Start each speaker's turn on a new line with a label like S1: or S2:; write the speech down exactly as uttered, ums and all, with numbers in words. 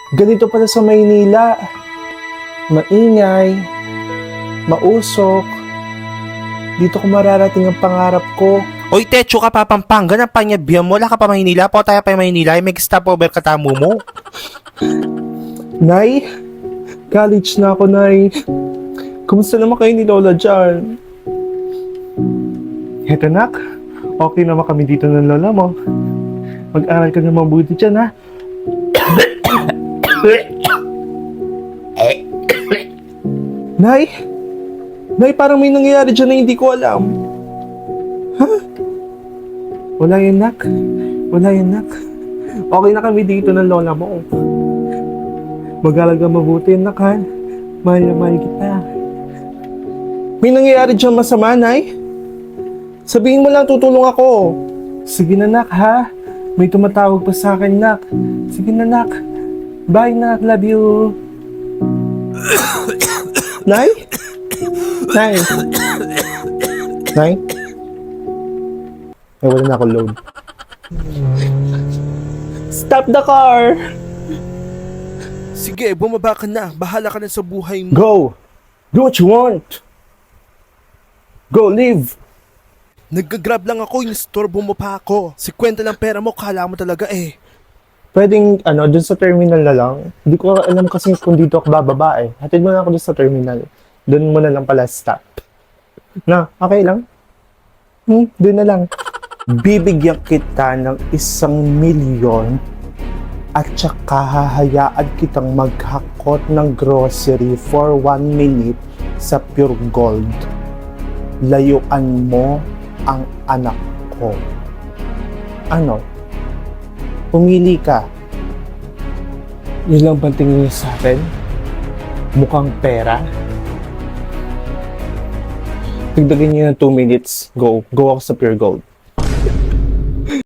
S1: Ganito pala sa Maynila. Maingay, mausok. Dito ko mararating ang pangarap ko.
S2: Oy, Techo ka pa Pampanga ng panyabihan mo. Wala ka pa Maynila. Po tayo pa Maynila. May stopover ka tamo mo.
S1: Nay, college na ako, Nay. Kumusta naman kayo ni Lola dyan? Heto, nak. Okay naman kami dito ng Lola mo. Mag-aral ka na mabuti dyan, ha? Nay! Nay, parang may nangyayari dyan na hindi ko alam. Ha? Wala yan, nak. Wala yan, nak. Okay na kami dito ng Lola mo. Mag-aral ka mabuti, nak, ha? Mahal na mahal kita. May nangyayari dyan masama, Nay? Sabihin mo lang, tutulong ako. Sige na, nak, ha? May tumatawag pa sa akin, nak. Sige na, nak. Bye, nak. Love you. Nay? Nay? Nay? Ay, wala na ako load. Stop the car!
S2: Sige, bumaba ka na. Bahala ka na sa buhay mo.
S1: Go! Do what you want! Go, leave!
S2: Nag-grab lang ako, inistorbo mo pa ako. Si kwenta lang pera mo, kala mo talaga eh.
S1: Pwedeng, ano, dun sa terminal na lang. Hindi ko alam kasi kung dito ako bababa eh. Hatid mo na ako dun sa terminal. Dun mo na lang pala stop. Na, okay lang? Hmm, dun na lang. Bibigyan kita ng isang milyon at saka hahayaan kitang maghakot ng grocery for one minute sa Pure Gold. Layuan mo ang anak ko. Ano? Pumili ka. Yun lang bang tingin niyo sa akin? Mukhang pera? Tigdagin niyo ng two minutes. Go. Go ako sa Pure Gold.